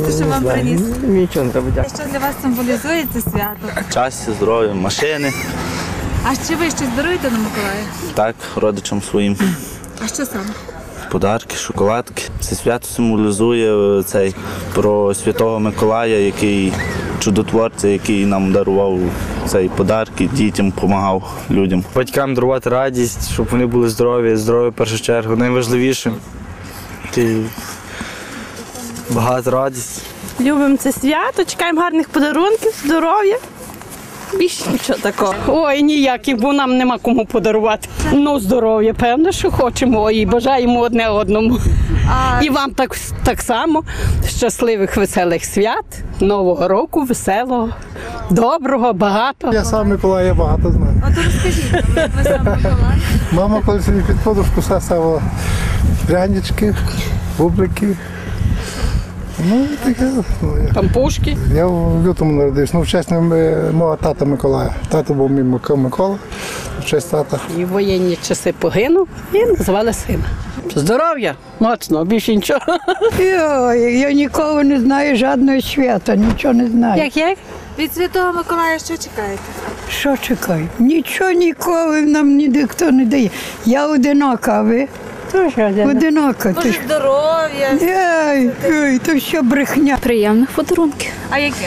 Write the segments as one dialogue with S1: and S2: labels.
S1: дякувати, що вам приніс.
S2: Нічого не треба дякувати.
S1: Що для вас символізує це свято?
S3: Щастя, здоров'я, машини.
S1: А ще ви щось даруєте на Миколая?
S3: Так, родичам своїм.
S1: А що саме?
S3: Подарки, шоколадки. Це свято символізує про Святого Миколая, який чудотворця, який нам дарував подарки, дітям допомагав людям.
S2: Батькам дарувати радість, щоб вони були здорові в першу чергу. Найважливіше – багато радості.
S4: Любимо це свято, чекаємо гарних подарунків, здоров'я. Більше нічого такого. Ой, ніяких, бо нам нема кому подарувати. Ну, здоров'я, певно, що хочемо і бажаємо одне одному. І вам так само щасливих, веселих свят, Нового року, веселого, доброго, багато.
S5: Я сам Миколай, я багато знаю.
S1: От розкажіть, як ви сам Миколай?
S5: Мама колись мені під подушку ставила прянички, бублики. Ну, таке.
S4: Пампушки.
S5: Я в лютому народився. В честь мого тата Миколая. Тато був мій Микола, в честь тата.
S4: І в воєнні часи погинув і назвали сина. Здоров'я, моцно, більше нічого.
S6: Я нікого не знаю, жодного свята, нічого не знаю.
S4: Як?
S1: Від Святого Миколая що чекаєте?
S6: Що чекаю? Нічого ніколи нам ніхто не дає. Я одинока, а ви? Одинока.
S1: Може, здоров'я?
S6: Ой, то що брехня.
S7: Приємних подарунків.
S1: А яке?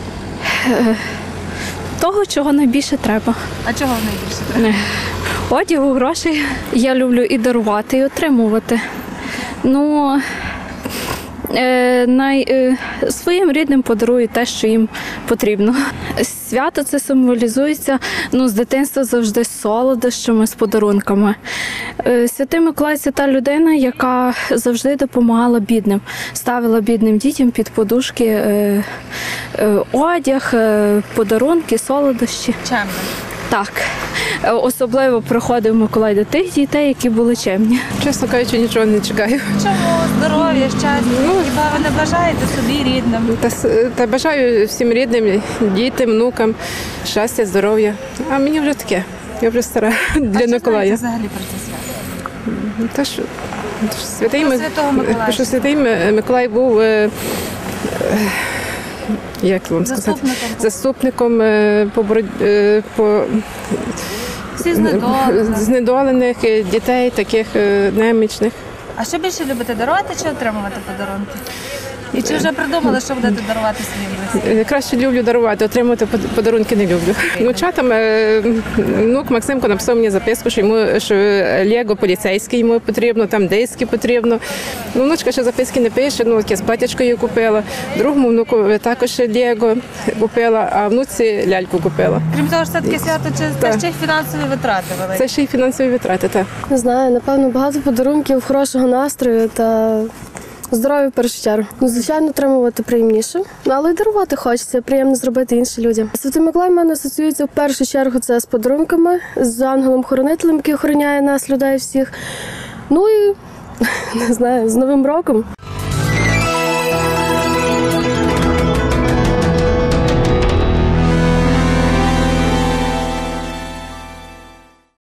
S7: Того, чого найбільше треба.
S1: А чого найбільше треба?
S7: Одягу, грошей. Я люблю і дарувати, і отримувати. Ну, своїм рідним подарую те, що їм потрібно. Свято це символізується з дитинства завжди з солодощами, з подарунками. Святий Миколай – це та людина, яка завжди допомагала бідним, ставила бідним дітям під подушки одяг, подарунки, солодощі.
S1: Чемно.
S7: Так. Особливо приходив Миколай до тих дітей, які були чемні.
S8: Чесно кажучи, нічого не чекаю.
S1: Чому? Здоров'я, щастя? Хіба ви не бажаєте собі рідним?
S8: Та бажаю всім рідним, дітям, внукам, щастя, здоров'я. А мені вже таке, я вже стара для Миколая.
S1: А що знаєте взагалі про це свято?
S8: Що Святий Миколай був, як вам сказати, заступником по знедолених дітей, таких немічних.
S1: А що більше любите, дарувати чи отримувати подарунки? І чи вже придумали, що будете дарувати своїм близьким?
S8: Краще люблю дарувати, отримувати подарунки не люблю. Внучатам внук Максимко написав мені записку, що Лего поліцейський йому потрібно, там диски потрібно. Внучка ще записки не пише, якесь платячко їй купила. Другому внуку також Лего купила, а внуці ляльку купила.
S1: Крім того, що це таке свято, це ще й фінансові витрати великі?
S8: Це ще й фінансові витрати, так.
S9: Не знаю, напевно, багато подарунків, хорошого настрою та здоров'я в першу чергу. Звичайно, отримувати приємніше, але й дарувати хочеться, приємно зробити іншим людям. Святий Миколай в мене асоціюється в першу чергу це з подарунками, з ангелом-хоронителем, який охороняє нас, людей всіх. Ну і, не знаю, з Новим роком.